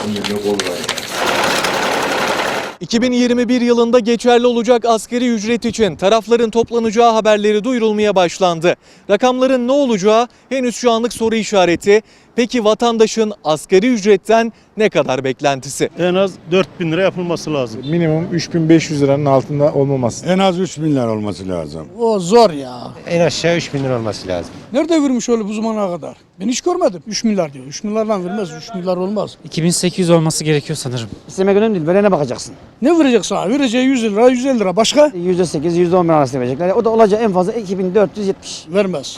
2021 yılında geçerli olacak asgari ücret için tarafların toplanacağı haberleri duyurulmaya başlandı. Rakamların ne olacağı henüz şu anlık soru işareti. Peki vatandaşın asgari ücretten ne kadar beklentisi? En az 4.000 lira yapılması lazım. Minimum 3500 liranın altında olmaması. En az 3 milyar olması lazım. O zor ya. En aşağı 3 bin lira olması lazım. Nerede vermiş öyle bu zamana kadar? Ben hiç görmedim. 3 milyar diyor. 3 milyardan vermez. 3 milyar olmaz. 2800 olması gerekiyor sanırım. İstemek önemli değil. Verene bakacaksın. Ne verecek sana? Vereceği 100 lira, 150 lira. Başka? %8, %10 arasında verecekler. O da olacağı en fazla 2470. Vermez.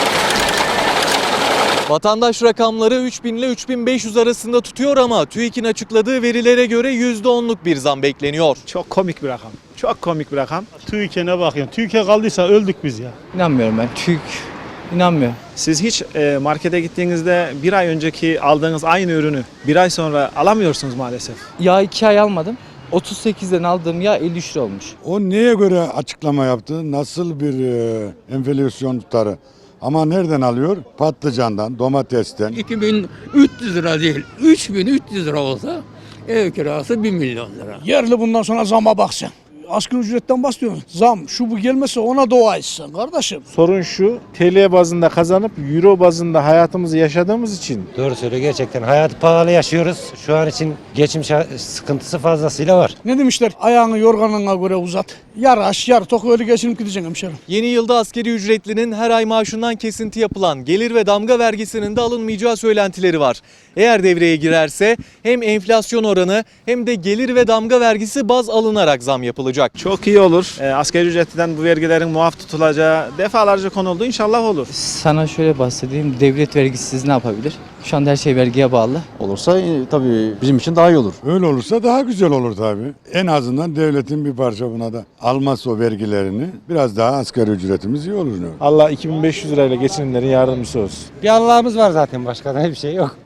Vatandaş rakamları 3000 ile 3500 arasında tutuyor ama TÜİK'in açıkladığı verilere göre %10'luk bir zam bekleniyor. Çok komik bir rakam. Çok komik bir rakam. TÜİK'e ne bakıyorsun? TÜİK'e kaldıysa öldük biz ya. İnanmıyorum ben. TÜİK inanmıyor. Siz hiç markete gittiğinizde bir ay önceki aldığınız aynı ürünü bir ay sonra alamıyorsunuz maalesef. Yağ 2 ay almadım. 38'den aldığım yağ 53 lira olmuş. O neye göre açıklama yaptı? Nasıl bir enflasyon tutarı? Ama nereden alıyor? Patlıcandan, domatesten. 2300 lira değil, 3300 lira olsa ev kirası 1 milyon lira. Yerli bundan sonra zama bakacaksın. Asgari ücretten bahsediyorsun. Zam şu bu gelmese ona dua etsin kardeşim. Sorun şu, TL bazında kazanıp Euro bazında hayatımızı yaşadığımız için. Doğru söylüyor gerçekten. Hayatı pahalı yaşıyoruz. Şu an için geçim sıkıntısı fazlasıyla var. Ne demişler? Ayağını yorganına göre uzat. Yar aç, yar tok öyle geçinip gideceksin hemşerim. Yeni yılda asgari ücretlinin her ay maaşından kesinti yapılan gelir ve damga vergisinin de alınmayacağı söylentileri var. Eğer devreye girerse hem enflasyon oranı hem de gelir ve damga vergisi baz alınarak zam yapılacak. Çok iyi olur. Asgari ücretten bu vergilerin muaf tutulacağı defalarca konuldu. İnşallah olur. Sana şöyle bahsedeyim. Devlet vergisiz ne yapabilir? Şu anda her şey vergiye bağlı. Olursa tabii bizim için daha iyi olur. Öyle olursa daha güzel olur tabii. En azından devletin bir parça buna da alması o vergilerini biraz daha asgari ücretimiz iyi olur. Allah 2500 lirayla geçinenlerin yardımcısı olsun. Bir Allah'ımız var zaten başka da bir şey yok.